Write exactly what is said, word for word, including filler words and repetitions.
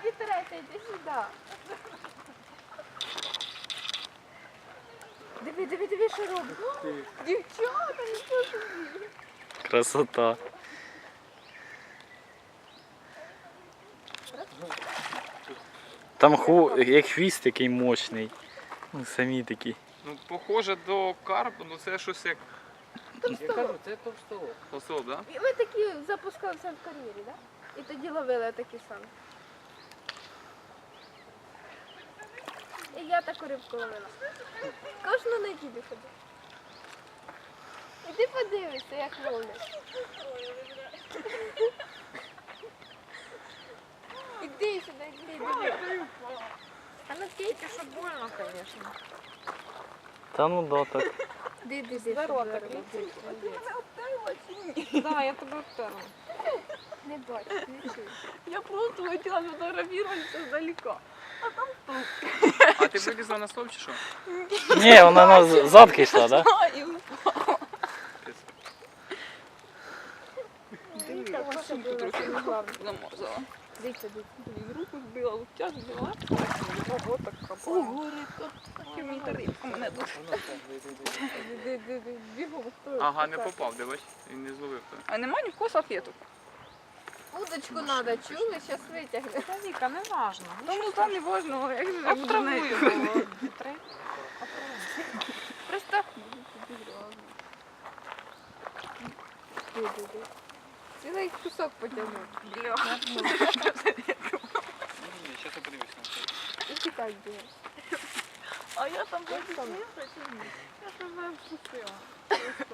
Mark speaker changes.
Speaker 1: Вітреться, йди сюди. Диви, диви, диви, що робить. Дівчата, нічого собі.
Speaker 2: Красота. Там ху... як хвіст такий мощний. Ну, самі такі.
Speaker 3: Ну, похоже до карпу, ну це щось як
Speaker 4: Я кажу, це товстолоб.
Speaker 3: посол, да?
Speaker 1: І ми такі запускалися в кар'єрі, так? І тоді ловили такі самі. І я таку рибку ловила. Кожну неділю ходив. І ти подивишся, як ловлять. Іди сюди, іди, диви. А ну тільки, що больно, звісно.
Speaker 2: Та ну да, так.
Speaker 1: Іди, іди, іди.
Speaker 5: Здорово,
Speaker 1: щоб
Speaker 5: так.
Speaker 1: здорово.
Speaker 5: Ти мене обтерла чи ні? Так, я тебе обтерла.
Speaker 1: Не бачу, не чую.
Speaker 5: Я просто хотіла фотографуватися здалека.
Speaker 3: А ти вилізла на стовп чи що?
Speaker 2: Ні, вона на задки йшла, так? Да?
Speaker 5: І
Speaker 1: Дивіться,
Speaker 5: машинку трохи замазала.
Speaker 1: Дивіться, дивіться.
Speaker 5: Блін, руку збила, локтя збила. Ого, така. Ого, рибка. Кіміта рибка мене тут.
Speaker 1: Бігом, хто?
Speaker 3: Ага, не попав, де бач? Він не зловив тебе.
Speaker 5: А нема ні в кого салфеток?
Speaker 1: Удочку треба, чули? Зараз витягне.
Speaker 5: Та Віка, не важно. Тому там не важно, як же я буду нею.
Speaker 1: Просто... Цілий кусок потягнув.
Speaker 5: Бля.
Speaker 3: Ні, ні, зараз я подивлюсь на це.
Speaker 1: І тікай бігеш.
Speaker 5: А я там буду сміятися чи ні? Я тебе впустила.